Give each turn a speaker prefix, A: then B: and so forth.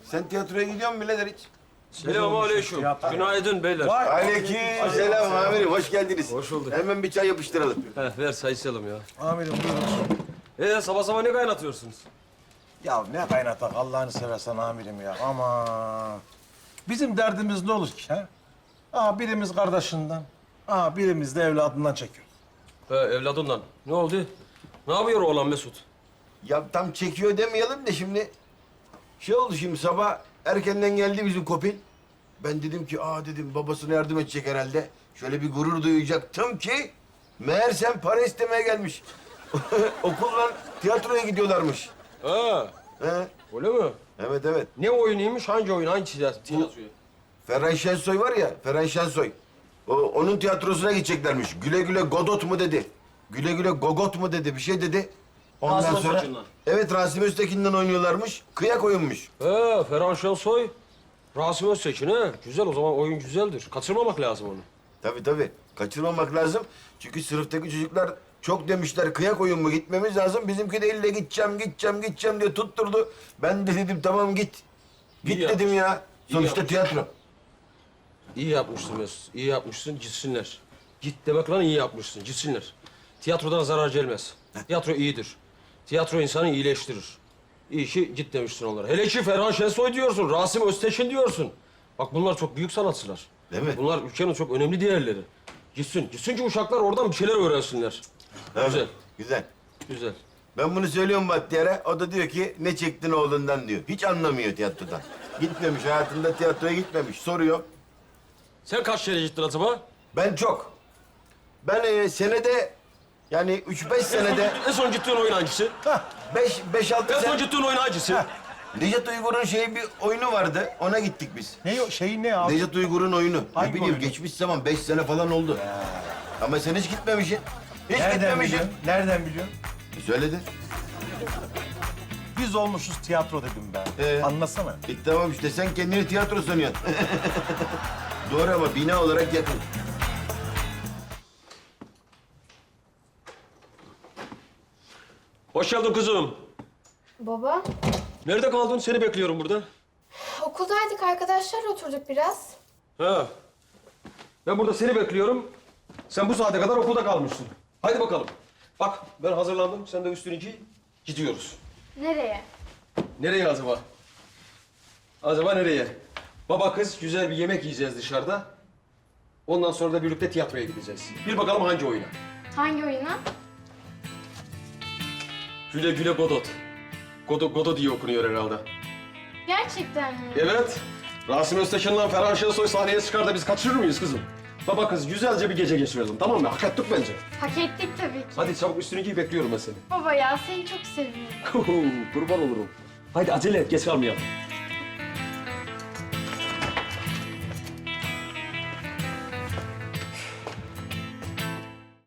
A: Sen tiyatroya gidiyor musun birader hiç?
B: Selamünaleyküm. Günaydın beyler.
A: Aleyküm selam amirim, hoş geldiniz.
B: Hoş bulduk.
A: Hemen bir çay yapıştıralım.
B: Ver sayısalım ya.
C: Amirim buyurun.
B: Sabah sabah ne kaynatıyorsunuz?
C: Ya ne kaynatak Allah'ını seversen amirim ya. Ama bizim derdimiz ne olur ki ha? Birimiz kardeşinden, birimiz de evladından çekiyor.
B: Evladından. Ne oldu? Ne yapıyor oğlan Mesut?
A: Ya tam çekiyor demeyelim de şimdi... Şey oldu şimdi sabah erkenden geldi bizim Kopil. Ben dedim ki dedim babasına yardım edecek herhalde. Şöyle bir gurur duyacaktım ki... Meğersem para istemeye gelmiş. Okulla tiyatroya gidiyorlarmış.
B: Ha,
A: He.
B: öyle mi?
A: Evet.
B: Ne oyunuymuş? Hangi oyun? Hangi tiyatroyu?
A: Ferhan Şensoy var ya, Ferhan Şensoy. Onun tiyatrosuna gideceklermiş. Güle güle Godot mu dedi. Güle güle Gogot mu dedi, bir şey dedi. Ondan
B: Rasim
A: sonra...
B: Öztekin'den.
A: Evet, Rasim Öztekin'den oynuyorlarmış. Kıyak oyunmuş.
B: Ferhan Şensoy. Rasim Öztekin ha. Güzel o zaman oyun güzeldir. Kaçırmamak lazım onu.
A: Tabii. Kaçırmamak lazım. Çünkü sınıftaki çocuklar çok demişler kıyak oyun mu gitmemiz lazım. Bizimki de elle gideceğim diye tutturdu. Ben de dedim tamam git. Git
B: İyi
A: dedim ya.
B: İyi
A: Sonuçta
B: yapmış.
A: tiyatro.
B: İyi yapmışsın Mesut. İyi yapmışsın. Gitsinler. Git demek lan iyi yapmışsın. Gitsinler. Tiyatrodan zarar gelmez. Tiyatro iyidir. Tiyatro insanı iyileştirir. İyi ki git demişsin onlara. Hele ki Ferhan Şensoy diyorsun, Rasim Öztekin diyorsun. Bak bunlar çok büyük sanatçılar.
A: Değil mi?
B: Bunlar ülkenin çok önemli değerleri. Gitsin ki uşaklar oradan bir şeyler öğrensinler.
A: Evet,
B: Güzel,
A: Güzel.
B: güzel.
A: Ben bunu söylüyorum Bahtiyar'a. O da diyor ki ne çektin oğlundan diyor. Hiç anlamıyor tiyatrodan. Gitmemiş, hayatında tiyatroya gitmemiş. Soruyor.
B: Sen kaç kere gittin acaba?
A: Ben çok. Ben senede yani 3-5 senede
B: En son gittiğin oyun hangisi?
A: 5-6
B: En son
A: sene...
B: gittiğin oyun hangisi?
A: Nejat Uygur'un bir oyunu vardı. Ona gittik biz.
C: Ne o şeyin ne abi?
A: Nejat Uygur'un oyunu.
C: Hangi
A: Ne bileyim
C: oyunu?
A: geçmiş zaman 5 sene falan oldu. Ama sen hiç gitmemişsin. Hiç
C: Nereden
A: gitmemişsin.
C: biliyorsun? Nereden biliyorsun?
A: Söyledi.
C: Biz olmuşuz tiyatro dedim ben. Anlasana.
A: Tamam işte sen kendini tiyatro sanıyorsun. Doğru ama bina olarak yakın.
B: Hoş geldin kızım.
D: Baba,
B: Nerede kaldın? Seni bekliyorum burada.
D: okuldaydık arkadaşlarla oturduk biraz.
B: Ha. Ben burada seni bekliyorum. Sen bu saate kadar okulda kalmışsın. Haydi bakalım. Bak ben hazırlandım. Sen de üstünü giy. Gidiyoruz.
D: Nereye?
B: Nereye acaba? Acaba nereye? Baba kız güzel bir yemek yiyeceğiz dışarıda. Ondan sonra da birlikte tiyatroya gideceğiz. Bir bakalım hangi oyuna?
D: Hangi oyuna?
B: Güle güle Godot. Godot diye okunuyor herhalde.
D: Gerçekten mi?
B: Evet. Rasim Öztekin'le Ferhan Şensoy sahneye çıkar da biz kaçırır mıyız kızım? Baba kız güzelce bir gece geçirelim tamam mı? Hak ettik bence.
D: Hak ettik tabii ki.
B: Hadi çabuk üstünü giy bekliyorum ben seni.
D: Baba ya seni çok seviyorum.
B: Kurban olurum. Haydi acele et geç kalmayalım.